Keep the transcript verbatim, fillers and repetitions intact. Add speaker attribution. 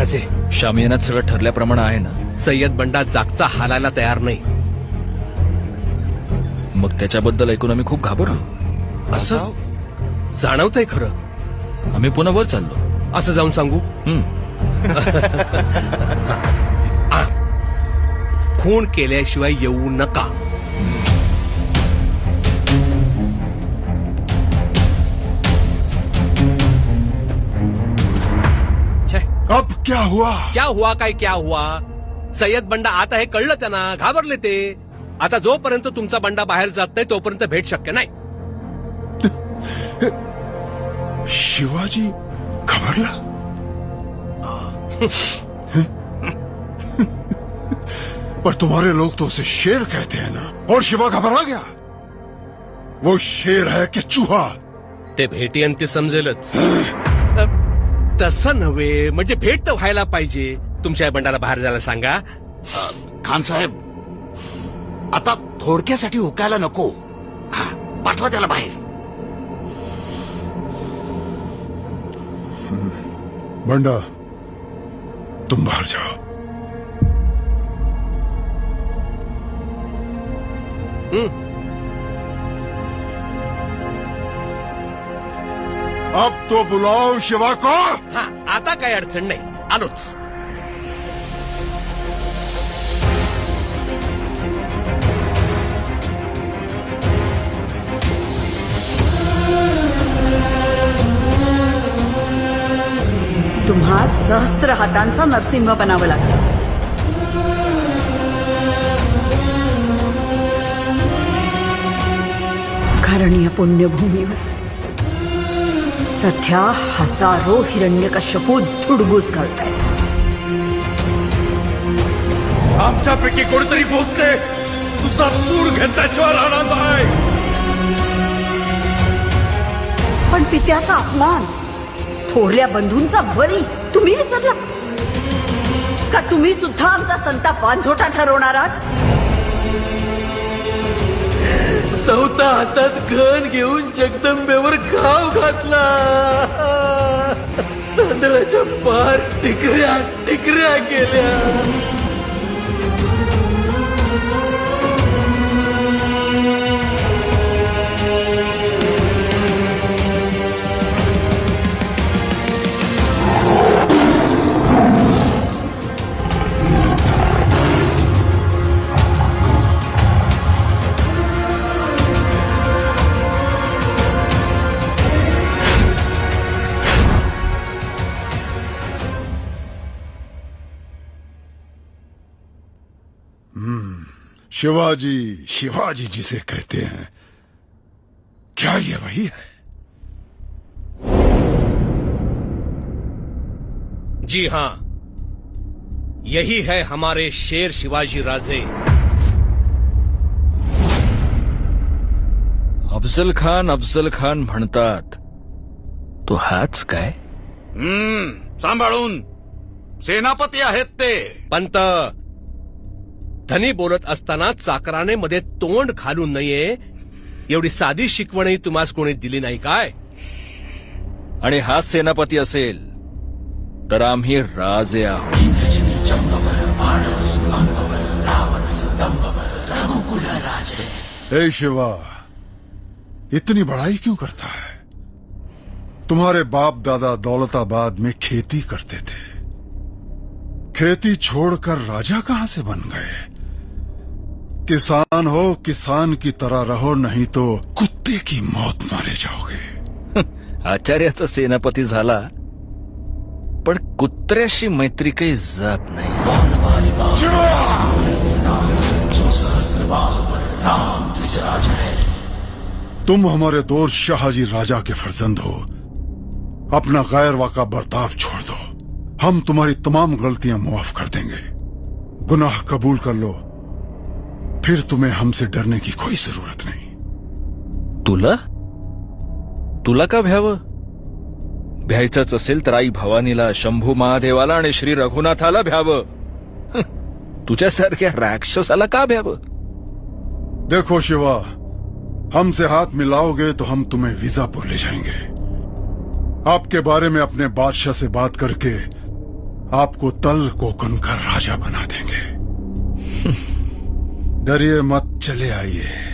Speaker 1: राजे,
Speaker 2: शामियानात सगळं ठरल्याप्रमाणे आहे ना?
Speaker 1: सय्यद बंडा जागचा हालायला तयार नाही.
Speaker 2: मग त्याच्याबद्दल ऐकून आम्ही खूप घाबरलो.
Speaker 1: असं जाणवतंय खरं.
Speaker 2: आम्ही पुन्हा वर चाललो.
Speaker 1: असं जाऊन सांगू?
Speaker 2: हम्म.
Speaker 1: आ, खून केल्याशिवाय येऊ नका.
Speaker 3: अब क्या हुआ?
Speaker 1: क्या हुआ काय क्या हुआ? सय्यद बंडा आता हे कळलं त्यांना, घाबरले ते. आता जोपर्यंत तुमचा बंडा बाहेर जात नाही तोपर्यंत भेट शक्य नाही.
Speaker 3: शिवाजी घबरला? पर तुम्हारे लोग तो उसे शेर कहते हैं ना, और शिवा घबरा गया. वो शेर है कि चूहा?
Speaker 1: ते भेटी ती समजेलच. तसं नव्हे, म्हणजे भेट तर व्हायला पाहिजे. तुमच्या बंडाला बाहेर जायला सांगा.
Speaker 4: खान साहेब, आता थोडक्यासाठी हुकायला नको. हा, पाठवा त्याला बाहेर.
Speaker 3: बंडा, तुम बाहर जाओ.
Speaker 1: हम्म.
Speaker 3: अब तो बुलाओ शिवा को.
Speaker 1: हा, आता काही अडचण नाही, आलोच.
Speaker 5: तुम्हा सहस्त्र हातांचा नरसिंह बनावं लागलं. कारण या पुण्यभूमीवर सध्या हजारो हिरण्यकश्यपू धुडगूस घालतायत.
Speaker 1: आमच्यापैकी कोणीतरी पोचते, तुझा सूड घेतल्याशिवाय राहणार नाही.
Speaker 5: पण पित्याचा अपमान, थोरल्या बंधूंचा बळी तुम्ही विसरला का? तुम्ही सुद्धा आमचा संताप वांझोटा ठरवणार आहात?
Speaker 6: चौथा हातात घन घेऊन जगदंबेवर घाव घातला. तांदळाच्या पार टिकऱ्या टिकऱ्या केल्या.
Speaker 3: शिवाजी, शिवाजी जिसे कहते हैं, क्या ये वही है?
Speaker 1: जी हाँ, यही है हमारे शेर शिवाजी राजे.
Speaker 2: अफजल खान अफजल खान म्हणतात, तो हाच काय?
Speaker 4: हम्म, सांभाळून. सेनापती आहेत ते.
Speaker 1: पंत, धनी बोलत असताना चाकराने मध्ये तोंड घालू नये एवढी साधी शिकवणही तुम्हास कोणी दिली नाही काय?
Speaker 2: आणि हाच सेनापती असेल तर आम्ही राजे आहोत.
Speaker 3: हे शिवा, इतनी बड़ाई क्यों करता है? तुम्हारे बाप दादा दौलताबाद में खेती करते थे. खेती छोड़कर राजा कहां से बन गए? किसान हो, किसान की तरह रहो, नहीं तो कुत्ते की मौत मारे जाओगे.
Speaker 2: आचार्याचा सेनापती झाला, पण कुत्र्याशी मैत्री काही जात नाही.
Speaker 3: तुम हमारे दोस्त शाहजी राजा के फर्जंद हो. अपना गैर वाका बर्ताव छोड़ दो. हम तुम्हारी तमाम गलतियां मुआफ कर देंगे. गुनाह कबूल कर लो, फिर तुम्हें हमसे डरने की कोई जरूरत नहीं.
Speaker 2: तुला तुला का भ्यावं? भ्यायचंच असेल तर आई भवानीला, शंभू महादेवाला आणि श्री रघुनाथाला भ्यावं. तुझ्यासारख्या राक्षसाला का भ्यावं?
Speaker 3: देखो शिवा, हमसे हाथ मिलाओगे तो हम तुम्हें वीजापुर ले जाएंगे. आपके बारे में अपने बादशाह से बात करके आपको तल कोकन का राजा बना देंगे। डरिए मत, चले आइए।